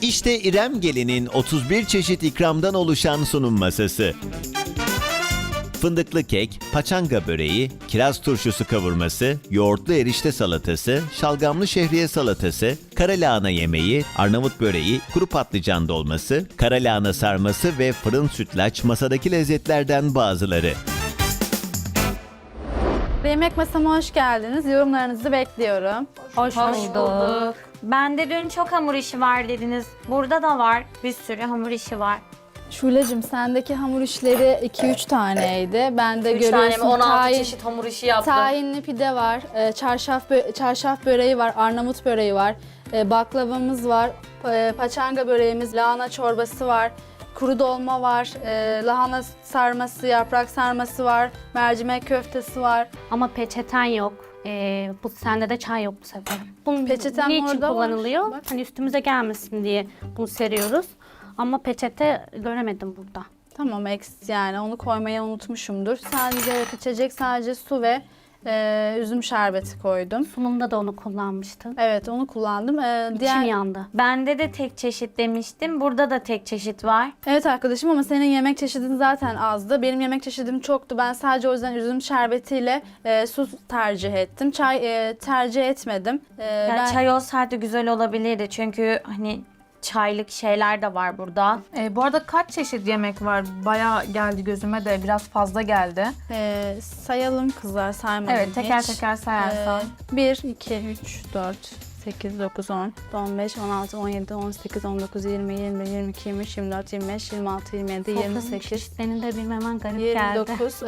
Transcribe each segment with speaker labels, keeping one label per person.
Speaker 1: İşte İrem Gelin'in 31 çeşit ikramdan oluşan sunum masası. Fındıklı kek, paçanga böreği, kiraz turşusu kavurması, yoğurtlu erişte salatası, şalgamlı şehriye salatası, kara lahana yemeği, Arnavut böreği, kuru patlıcan dolması, kara lahana sarması ve fırın sütlaç masadaki lezzetlerden bazıları.
Speaker 2: Yemek masama hoş geldiniz. Yorumlarınızı bekliyorum.
Speaker 3: Hoş bulduk. Bende dün çok hamur işi var dediniz. Burada da var. Bir sürü hamur işi var.
Speaker 2: Şule'cim sendeki hamur işleri 2-3 taneydi. Ben de
Speaker 3: 3 tane mi?
Speaker 2: görüyorsun
Speaker 3: 16 çeşit hamur işi yaptım.
Speaker 2: tahinli pide var, çarşaf böreği var, Arnavut böreği var, baklavamız var, paçanga böreğimiz, lahana çorbası var, kuru dolma var, lahana sarması, yaprak sarması var, mercimek köftesi var.
Speaker 3: Ama peçeten yok. Bu sende de çay yok bu sefer. Bunun
Speaker 2: Peçeten
Speaker 3: niçin
Speaker 2: orada var.
Speaker 3: kullanılıyor?
Speaker 2: Bak.
Speaker 3: Hani üstümüze gelmesin diye bunu seriyoruz. Ama peçete göremedim burada.
Speaker 2: Tamam, yani onu koymayı unutmuşumdur. Sadece içecek sadece su ve üzüm şerbeti koydum.
Speaker 3: Sunumda da onu kullanmıştın.
Speaker 2: Evet, onu kullandım.
Speaker 3: İçim yandı. Bende de tek çeşit demiştim. Burada da tek çeşit var.
Speaker 2: Evet arkadaşım, ama senin yemek çeşidin zaten azdı. Benim yemek çeşidim çoktu. Ben sadece o yüzden üzüm şerbetiyle su tercih ettim. Çay tercih etmedim.
Speaker 3: Yani çay olsaydı güzel olabilirdi. Çünkü hani çaylık şeyler de var burada.
Speaker 4: Bu arada kaç çeşit yemek var? Bayağı geldi gözüme de biraz fazla geldi.
Speaker 2: sayalım kızlar, saymadım
Speaker 4: Evet, teker
Speaker 2: hiç.
Speaker 4: teker sayarsan.
Speaker 2: 1, 2, 3, 4, 8, 9, 10, 15, 16, 17, 18, 19, 20, 21, 22, 23, 24, 25, 26, 27, 28,
Speaker 3: Çeşitlerini de bilmemen garip geldi.
Speaker 2: 29,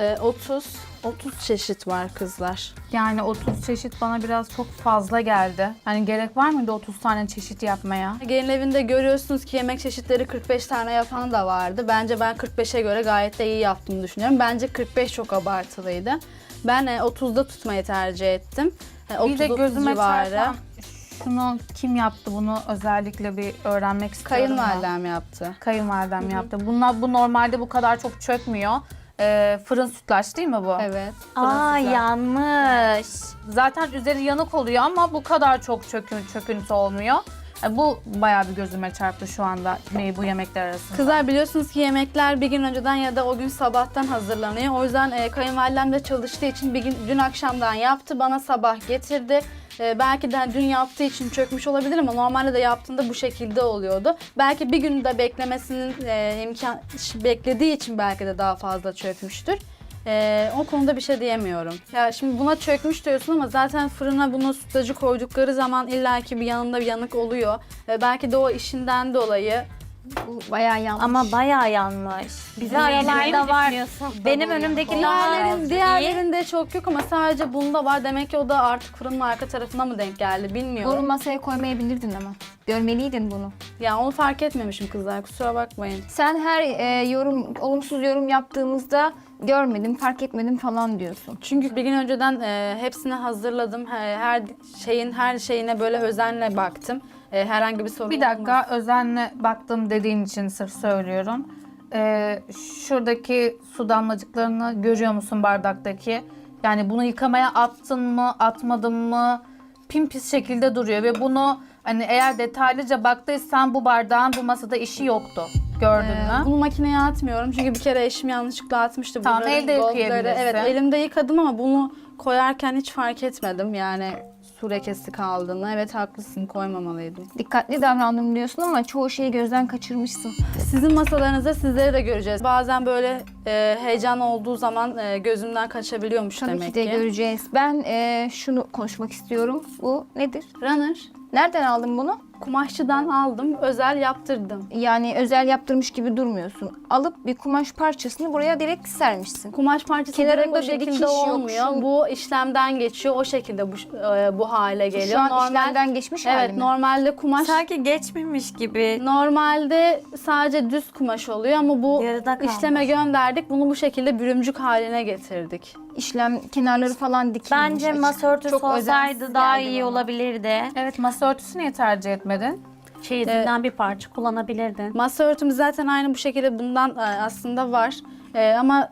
Speaker 2: 30 çeşit var kızlar.
Speaker 4: Yani 30 çeşit bana biraz çok fazla geldi. Hani gerek var mıydı 30 tane çeşit yapmaya?
Speaker 2: Gelin evinde görüyorsunuz ki yemek çeşitleri 45 tane yapan da vardı. Bence ben 45'e göre gayet de iyi yaptığımı düşünüyorum. Bence 45 çok abartılıydı. Ben 30'da tutmayı tercih ettim.
Speaker 4: Bir de
Speaker 2: 39
Speaker 4: gözüme
Speaker 2: civarı.
Speaker 4: çarpan şunu kim yaptı, bunu özellikle bir öğrenmek istiyorum.
Speaker 2: Kayınvalidem yaptı.
Speaker 4: Kayınvalidem yaptı. Bu normalde bu kadar çok çökmüyor. Fırın sütlaç değil mi bu?
Speaker 2: Evet.
Speaker 3: Aa, yanmış.
Speaker 4: Zaten üzeri yanık oluyor ama bu kadar çok çöküntü olmuyor. Bu bayağı bir gözüme çarptı şu anda bu yemekler arasında.
Speaker 2: Kızlar, biliyorsunuz ki yemekler bir gün önceden ya da o gün sabahtan hazırlanıyor. O yüzden kayınvalidem de çalıştığı için dün akşamdan yaptı. Bana sabah getirdi. Belki de dün yaptığı için çökmüş olabilir ama normalde de yaptığında bu şekilde oluyordu. Belki bir gün de beklemesinin beklediği için belki de daha fazla çökmüştür. O konuda bir şey diyemiyorum. Ya şimdi buna çökmüş diyorsun ama zaten fırına bunu sütlacı koydukları zaman illaki bir yanında bir yanık oluyor. Belki de o işinden dolayı
Speaker 5: Bayağı yanlış.
Speaker 3: Ama bayağı yanmış. Bize aralarda var. Benim önümdeki daha
Speaker 2: diğerlerinde çok yok ama sadece bunda var. Demek ki o da artık fırının arka tarafına mı denk geldi
Speaker 5: Bunu
Speaker 2: bilmiyorum.
Speaker 5: masaya koymayabilirdin ama. Görmeliydin bunu.
Speaker 2: Ya onu fark etmemişim kızlar, kusura bakmayın.
Speaker 5: Sen her olumsuz yorum yaptığımızda görmedim, fark etmedim falan diyorsun.
Speaker 2: Çünkü bir gün önceden hepsini hazırladım. Her şeyine böyle özenle baktım. Herhangi bir sorun
Speaker 4: Bir dakika, özenle baktım dediğin için sırf söylüyorum. Şuradaki su damlacıklarını görüyor musun bardaktaki? Yani bunu yıkamaya attın mı, atmadın mı? Pimpis şekilde duruyor ve bunu hani eğer detaylıca baktıysan bu bardağın bu masada işi yoktu. Gördün mü?
Speaker 2: Bunu makineye atmıyorum çünkü bir kere eşim yanlışlıkla atmıştı.
Speaker 4: Tamam,
Speaker 2: Bunların
Speaker 4: elde
Speaker 2: goldları.
Speaker 4: yıkayabilirsin.
Speaker 2: Evet, elimde yıkadım ama bunu koyarken hiç fark etmedim. Yani su lekesi kaldığını. Evet, haklısın, koymamalıydım.
Speaker 5: Dikkatli davrandım diyorsun ama çoğu şeyi gözden kaçırmışsın.
Speaker 2: Sizin masalarınızda sizleri de göreceğiz. Bazen böyle heyecan olduğu zaman gözümden kaçabiliyormuş
Speaker 5: Tabii
Speaker 2: demek
Speaker 5: ki de
Speaker 2: ki.
Speaker 5: göreceğiz. Ben şunu konuşmak istiyorum. Bu nedir?
Speaker 2: Runner.
Speaker 5: Nereden aldın bunu?
Speaker 2: Kumaşçıdan aldım, özel yaptırdım.
Speaker 5: Yani özel yaptırmış gibi durmuyorsun. Alıp bir kumaş parçasını buraya direkt sermişsin.
Speaker 2: Kumaş parçası
Speaker 5: Kenarında
Speaker 2: direkt o
Speaker 5: bir
Speaker 2: şekilde
Speaker 5: dikiş yok,
Speaker 2: olmuyor.
Speaker 5: şu-
Speaker 2: Bu işlemden geçiyor, o şekilde bu hale geliyor.
Speaker 5: Şu an işlemden geçmiş hali
Speaker 2: Evet,
Speaker 5: mi?
Speaker 2: normalde kumaş
Speaker 3: sanki geçmemiş gibi.
Speaker 2: normalde sadece düz kumaş oluyor ama bu
Speaker 3: Yarıda kalmış.
Speaker 2: işleme gönderdik. Bunu bu şekilde bürümcük haline getirdik.
Speaker 5: İşlem kenarları falan dikilmiş.
Speaker 3: Bence masa örtüsü
Speaker 5: Çok
Speaker 3: olsaydı
Speaker 5: özensiz
Speaker 3: daha
Speaker 5: geldi
Speaker 3: iyi
Speaker 5: bana.
Speaker 3: olabilirdi.
Speaker 4: Evet, masa örtüsü niye tercih etmedin?
Speaker 3: Çeyizinden bir parça kullanabilirdin.
Speaker 2: Masa örtümüz zaten aynı bu şekilde bundan aslında var. Ama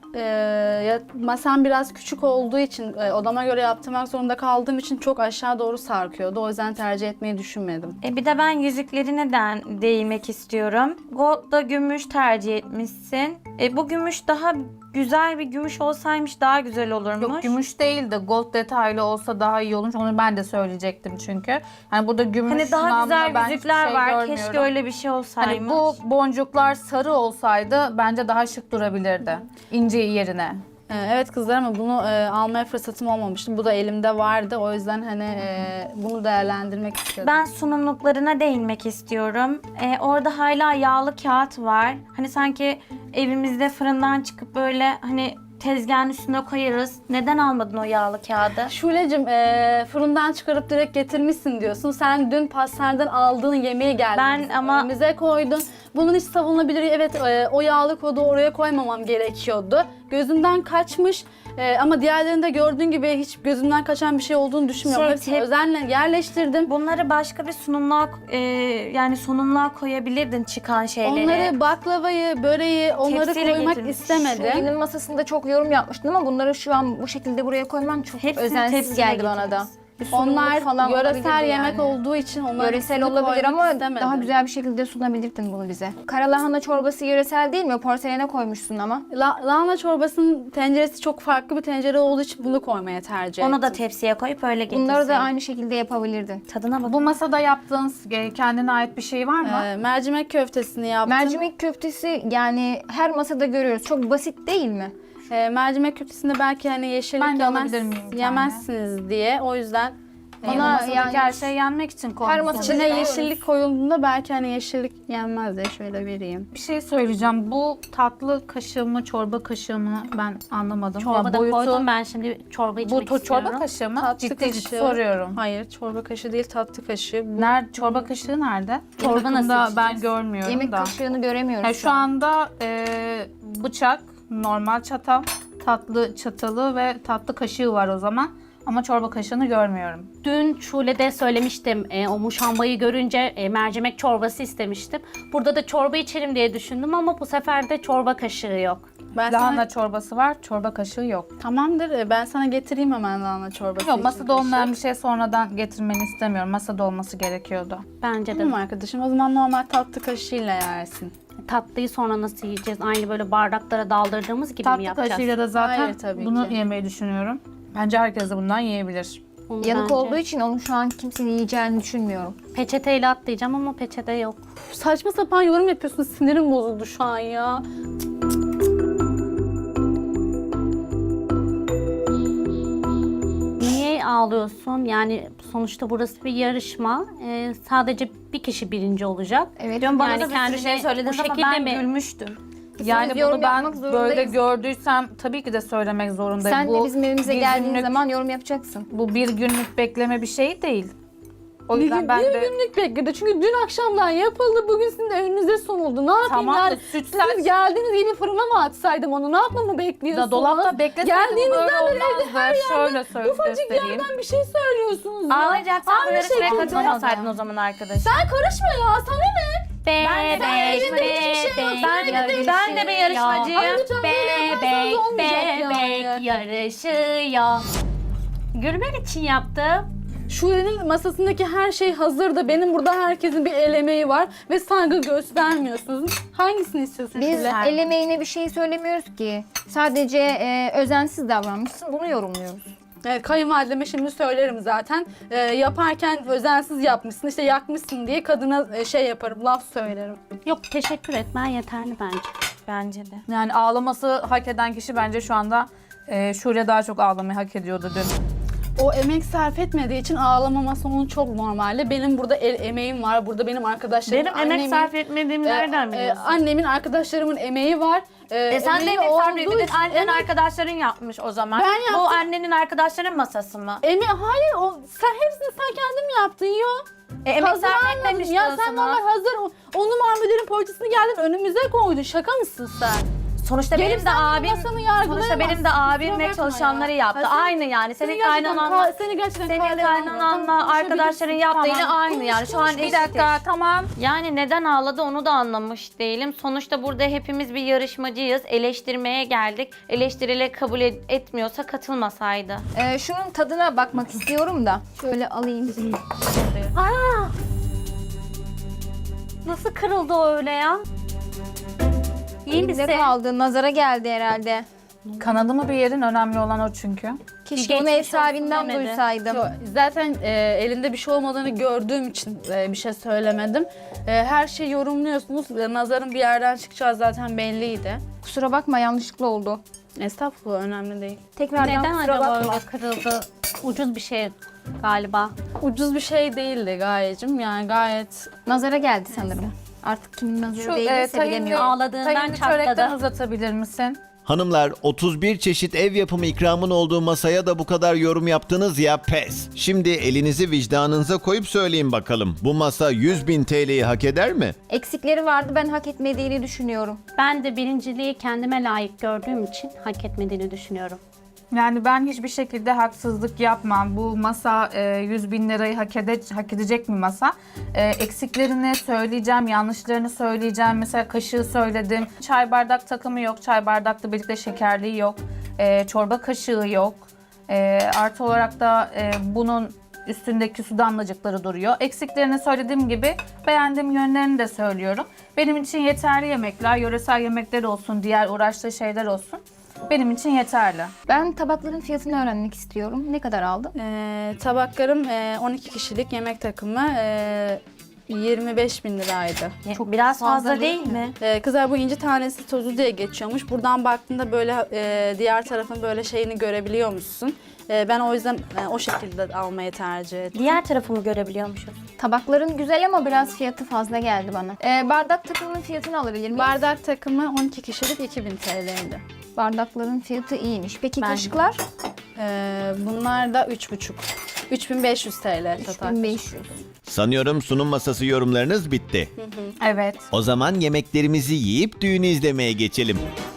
Speaker 2: masam biraz küçük olduğu için odama göre yaptırmak zorunda kaldığım için çok aşağı doğru sarkıyordu. O yüzden tercih etmeyi düşünmedim.
Speaker 3: Bir de ben yüzüklerine değinmek istiyorum. Gold'da gümüş tercih etmişsin. Bu gümüş daha güzel bir gümüş olsaymış daha güzel olurmuş.
Speaker 4: Yok gümüş değil de gold detaylı olsa daha iyi olmuş. Onu ben de söyleyecektim çünkü. Hani burada gümüş
Speaker 3: Hani daha
Speaker 4: namına
Speaker 3: güzel
Speaker 4: ben hiçbir
Speaker 3: yüzükler
Speaker 4: şey
Speaker 3: var.
Speaker 4: görmüyorum.
Speaker 3: Keşke öyle bir şey olsaymış.
Speaker 4: Hani bu boncuklar sarı olsaydı bence daha şık durabilirdi. İnce yerine.
Speaker 2: Evet kızlar ama bunu almaya fırsatım olmamıştı. Bu da elimde vardı. O yüzden hani bunu değerlendirmek istedim.
Speaker 3: Ben sunumluklarına değinmek istiyorum. Orada hala yağlı kağıt var. Hani sanki evimizde fırından çıkıp böyle hani tezgahın üstüne koyarız. Neden almadın o yağlı kağıdı?
Speaker 2: Şule'cim fırından çıkarıp direkt getirmişsin diyorsun. Sen dün pastaneden aldığın yemeği geldin.
Speaker 3: Ben ama-
Speaker 2: Önümüze koydun. Bunun hiç savunulabilir. Evet o yağlı kodu oraya koymamam gerekiyordu. Gözümden kaçmış. Ama diğerlerinde gördüğün gibi hiç gözümden kaçan bir şey olduğunu düşünmüyorum. Hepsini özenle yerleştirdim.
Speaker 3: Bunları başka bir sunumluğa yani sunumluğa koyabilirdin çıkan şeyleri.
Speaker 2: Onları baklavayı, böreği onları
Speaker 3: Tepsiyle
Speaker 2: koymak
Speaker 3: getirmiş.
Speaker 2: istemedim.
Speaker 5: Şule'nin masasında çok yorum yapmıştın ama bunları şu an bu şekilde buraya koyman çok
Speaker 3: Hepsini
Speaker 5: özensiz
Speaker 3: tepsiyle
Speaker 5: geldi bana da.
Speaker 3: getirmiş.
Speaker 5: Bir sunumluk
Speaker 2: Onlar
Speaker 5: falan
Speaker 2: yöresel
Speaker 5: olabilirdi
Speaker 2: yemek
Speaker 5: yani.
Speaker 2: olduğu için onları
Speaker 5: Yöresel
Speaker 2: hepsini
Speaker 5: olabilir
Speaker 2: koymak
Speaker 5: ama
Speaker 2: istemedim.
Speaker 5: daha güzel bir şekilde sunabilirdin bunu bize. Karalahana çorbası yöresel değil mi? Porselene koymuşsun ama.
Speaker 2: Lahana çorbasının tenceresi çok farklı bir tencere olduğu için bunu koymaya tercih
Speaker 3: Onu
Speaker 2: ettim.
Speaker 3: da tepsiye koyup öyle getirsin.
Speaker 5: Bunları da aynı şekilde yapabilirdin.
Speaker 3: Tadına bak.
Speaker 4: Bu masada yaptığınız kendine ait bir şey var mı?
Speaker 2: Mercimek köftesini yaptım.
Speaker 5: Mercimek köftesi yani her masada görüyoruz. Çok basit değil mi?
Speaker 2: Mercimek köftesinde belki hani yeşillik
Speaker 4: Ben de alabilir miyim bir tane?
Speaker 2: yemezsiniz diye. O yüzden
Speaker 5: Ona
Speaker 4: Masadaki
Speaker 5: yani
Speaker 4: her şey yenmek için
Speaker 5: her
Speaker 4: koymuşsunuz.
Speaker 5: masada
Speaker 2: içine
Speaker 5: Evet.
Speaker 2: yeşillik koyulduğunda belki hani yeşillik yenmez diye şöyle vereyim.
Speaker 4: Bir şey söyleyeceğim. Bu tatlı kaşığı mı, çorba kaşığı mı ben anlamadım.
Speaker 6: Çorba
Speaker 4: Ya
Speaker 6: da
Speaker 4: boyutu-
Speaker 6: koydum ben şimdi çorba içmek
Speaker 4: Bu
Speaker 6: istiyorum.
Speaker 4: çorba kaşığı mı?
Speaker 2: Tatlı
Speaker 4: Ciddi
Speaker 2: kaşığı.
Speaker 4: soruyorum.
Speaker 2: Hayır, çorba kaşığı değil, tatlı kaşığı. Bu
Speaker 4: Nerede çorba kaşığı nerede?
Speaker 6: Çorba
Speaker 4: Yakında
Speaker 6: nasıl
Speaker 4: ben
Speaker 6: içeceğiz?
Speaker 4: görmüyorum
Speaker 5: Yemek
Speaker 4: da.
Speaker 5: kaşığını göremiyoruz.
Speaker 4: Yani şu anda bıçak, normal çatal, tatlı çatalı ve tatlı kaşığı var o zaman. Ama çorba kaşığını görmüyorum.
Speaker 6: Dün Şule'de söylemiştim o muşambayı görünce mercimek çorbası istemiştim. Burada da çorba içerim diye düşündüm ama bu sefer de çorba kaşığı yok.
Speaker 2: ben
Speaker 4: Lahana
Speaker 2: sana,
Speaker 4: çorbası var, çorba kaşığı yok.
Speaker 2: tamamdır. Ben sana getireyim hemen lahana çorbası.
Speaker 4: Yok
Speaker 2: için
Speaker 4: masada
Speaker 2: kaşığı.
Speaker 4: olmayan bir şey sonradan getirmeni istemiyorum. Masada olması gerekiyordu.
Speaker 6: Bence de.
Speaker 2: Tamam arkadaşım. O zaman normal tatlı kaşığıyla yersin.
Speaker 6: Tatlıyı sonra nasıl yiyeceğiz? Aynı böyle bardaklara daldırdığımız gibi mi
Speaker 4: Tatlı
Speaker 6: yapacağız?
Speaker 4: kaşığıyla da zaten
Speaker 2: Hayır, tabii
Speaker 4: bunu
Speaker 2: ki.
Speaker 4: yemeyi düşünüyorum. Bence herkes de bundan yiyebilir.
Speaker 6: Onu
Speaker 5: Yanık
Speaker 6: bence-
Speaker 5: olduğu için onu şu an kimsenin yiyeceğini düşünmüyorum.
Speaker 6: Peçeteyle atlayacağım ama peçete yok.
Speaker 2: Saçma sapan yorum yapıyorsun. Sinirim bozuldu şu an ya.
Speaker 6: Niye ağlıyorsun? Yani sonuçta burası bir yarışma. Sadece bir kişi birinci olacak.
Speaker 5: Evet.
Speaker 3: Dün bana
Speaker 6: Yani
Speaker 3: da bir
Speaker 6: kendine
Speaker 3: sürü şey söylediniz
Speaker 6: bu
Speaker 3: ama
Speaker 6: şekilde
Speaker 3: ben
Speaker 6: mi-
Speaker 3: gülmüştüm.
Speaker 4: Yani
Speaker 5: yorum
Speaker 4: bunu ben
Speaker 5: yapmak zorundayız.
Speaker 4: böyle gördüysem tabii ki de söylemek zorundayım.
Speaker 5: Sen
Speaker 4: Bu
Speaker 5: de bizim evimize
Speaker 4: bir
Speaker 5: geldiğin
Speaker 4: günlük-
Speaker 5: zaman yorum yapacaksın.
Speaker 4: Bu bir günlük bekleme bir şey değil. O
Speaker 2: Bir,
Speaker 4: yüzden ben
Speaker 2: bir
Speaker 4: de
Speaker 2: günlük bekledi. Çünkü dün akşamdan yapıldı. Bugün sizin de önünüze sunuldu. Ne yapayım
Speaker 4: Tamam da
Speaker 2: yani?
Speaker 4: sütler-
Speaker 2: Siz geldiğiniz gibi fırına mı atsaydım onu? Ne yapmamı bekliyorsunuz?
Speaker 4: da dolapta bekleseydim
Speaker 2: Geldiğinizden
Speaker 4: böyle
Speaker 2: beri evde
Speaker 4: olmazdı. Şöyle söyle
Speaker 2: ufacık
Speaker 4: göstereyim.
Speaker 2: yerden bir şey söylüyorsunuz ya.
Speaker 3: Ağlayacaksan bu
Speaker 2: Aynı
Speaker 3: yarışmaya
Speaker 2: şekilde.
Speaker 3: katılmasaydın o zaman arkadaş.
Speaker 2: Sen karışma ya. Sana ne?
Speaker 6: Bebek,
Speaker 3: Ben de bir yarışmacıyım.
Speaker 2: Ay lütfen böyle yaparsanız olmayacak
Speaker 6: Bebek
Speaker 2: yani.
Speaker 6: yarışıyor. Gülmek için yaptım.
Speaker 2: Şule'nin masasındaki her şey hazırdı. Benim burada herkesin bir el emeği var ve saygı göstermiyorsunuz. Hangisini istiyorsun
Speaker 5: Biz
Speaker 2: Şule?
Speaker 5: el emeğine bir şey söylemiyoruz ki. Sadece özensiz davranmışsın. Bunu yorumluyoruz.
Speaker 2: Evet, kayınvalideme şimdi söylerim zaten. Yaparken özensiz yapmışsın, işte yakmışsın diye kadına şey yaparım, laf söylerim.
Speaker 6: Yok teşekkür etmen yeterli bence.
Speaker 3: Bence de.
Speaker 4: Yani ağlaması hak eden kişi bence şu anda Şule daha çok ağlamayı hak ediyordu dün.
Speaker 2: O emek sarf etmediği için ağlamaması onun çok normalde. Benim burada el emeğim var, burada benim arkadaşlarım,
Speaker 3: Benim emek sarf etmediğimi nereden biliyorsun?
Speaker 2: Annemin, arkadaşlarımın emeği var.
Speaker 3: Sen de
Speaker 2: Emeği
Speaker 3: emek sarf
Speaker 2: olduğu
Speaker 3: etmedin.
Speaker 2: için-
Speaker 3: Annen
Speaker 2: Evet.
Speaker 3: arkadaşların yapmış o zaman.
Speaker 2: Ben
Speaker 3: Bu
Speaker 2: yaptım.
Speaker 3: annenin arkadaşların masası mı?
Speaker 2: Hayır, sen hepsini sen kendin yaptın ya.
Speaker 3: Emek
Speaker 2: Hazır
Speaker 3: sarf
Speaker 2: almadın.
Speaker 3: etmemiştin
Speaker 2: Ya
Speaker 3: o
Speaker 2: sen
Speaker 3: zaman.
Speaker 2: normal hazır onu marmelatın poğaçasını geldin önümüze koydun. Şaka mısın sen?
Speaker 3: Sonuçta
Speaker 2: Gelip
Speaker 3: benim de
Speaker 2: sen benim
Speaker 3: abim,
Speaker 2: masamı yargılayamazsın.
Speaker 3: sonuçta benim de abim
Speaker 2: Kusura
Speaker 3: ve
Speaker 2: bakma
Speaker 3: çalışanları
Speaker 2: ya.
Speaker 3: yaptı.
Speaker 2: Ha, sen-
Speaker 3: Aynı yani. Senin
Speaker 2: gerçekten
Speaker 3: kaynananla
Speaker 2: seni gerçekten
Speaker 3: senin
Speaker 2: kale almıyorum.
Speaker 3: kaynananla
Speaker 2: Tamam,
Speaker 3: arkadaşların
Speaker 2: konuşabilirsin.
Speaker 3: yaptığıyla
Speaker 2: Tamam.
Speaker 3: aynı yani. Şu an
Speaker 2: Konuş,
Speaker 4: Bir
Speaker 3: eşit.
Speaker 4: dakika tamam.
Speaker 3: Yani neden ağladı onu da anlamış değilim. Sonuçta burada hepimiz bir yarışmacıyız. Eleştirmeye geldik. Eleştirileri kabul etmiyorsa katılmasaydı.
Speaker 5: Şunun tadına bakmak istiyorum da. Şöyle alayım.
Speaker 6: Aa! Nasıl kırıldı o öyle ya? İyi misin?
Speaker 5: Elimde kaldı. Nazara geldi herhalde.
Speaker 4: Kanadı mı bir yerin önemli olan o çünkü.
Speaker 5: Keşke onu
Speaker 6: Geçmiş
Speaker 5: ev sahibinden
Speaker 6: olsun demedi.
Speaker 5: duysaydım.
Speaker 2: Zaten elinde bir şey olmadığını gördüğüm için bir şey söylemedim. Her şeyi yorumluyorsunuz. Nazarın bir yerden çıkacağı zaten belliydi.
Speaker 5: Kusura bakma, yanlışlıkla oldu.
Speaker 2: Estağfurullah, önemli değil.
Speaker 5: Tekrardan
Speaker 6: Neden
Speaker 5: kusura
Speaker 6: acaba
Speaker 5: bakma.
Speaker 6: öyle kırıldı? Ucuz bir şey galiba.
Speaker 2: Ucuz bir şey değildi Gayecim. Yani gayet
Speaker 5: Nazara geldi sanırım. Artık kimin nazarı değilse bilemiyorum.
Speaker 6: Ağladığından
Speaker 4: Tayyip'i
Speaker 6: çatladı.
Speaker 4: çörekten uzatabilir misin?
Speaker 1: Hanımlar 31 çeşit ev yapımı ikramın olduğu masaya da bu kadar yorum yaptınız ya pes. Şimdi elinizi vicdanınıza koyup söyleyin bakalım. Bu masa 100.000 TL'yi hak eder mi?
Speaker 5: Eksikleri vardı, ben hak etmediğini düşünüyorum.
Speaker 6: Ben de birinciliği kendime layık gördüğüm için hak etmediğini düşünüyorum.
Speaker 4: Yani ben hiçbir şekilde haksızlık yapmam. Bu masa 100.000 lirayı hak edecek bir masa. Eksiklerini söyleyeceğim, yanlışlarını söyleyeceğim. Mesela kaşığı söyledim. Çay bardak takımı yok. Çay bardakla birlikte şekerliği yok. Çorba kaşığı yok. Artı olarak da bunun üstündeki su damlacıkları duruyor. Eksiklerini söylediğim gibi beğendiğim yönlerini de söylüyorum. Benim için yeterli yemekler, yöresel yemekler olsun, diğer uğraştığı şeyler olsun. Benim için yeterli.
Speaker 5: Ben tabakların fiyatını öğrenmek istiyorum. Ne kadar aldı?
Speaker 2: tabaklarım 12 kişilik yemek takımı 25.000 liraydı.
Speaker 3: Çok biraz fazla
Speaker 5: fazla
Speaker 3: değil
Speaker 5: değil
Speaker 3: mi?
Speaker 2: Kızlar bu inci tanesi tozu diye geçiyormuş. Buradan baktığında böyle diğer tarafın böyle şeyini görebiliyormuşsun. Ben o yüzden o şekilde almayı tercih ettim.
Speaker 3: Diğer tarafımı görebiliyormuşuz.
Speaker 5: Tabakların güzel ama biraz fiyatı fazla geldi bana. Bardak takımının fiyatını alabilir miyim?
Speaker 2: Bardak takımı 12 kişilik 2000 TL'ydi.
Speaker 5: Bardakların fiyatı iyiymiş. Peki
Speaker 3: Bence.
Speaker 5: kaşıklar?
Speaker 2: Bunlar da 3,5. 3500 TL total.
Speaker 5: 1500.
Speaker 1: Sanıyorum sunum masası yorumlarınız bitti.
Speaker 4: Evet.
Speaker 1: O zaman yemeklerimizi yiyip düğünü izlemeye geçelim.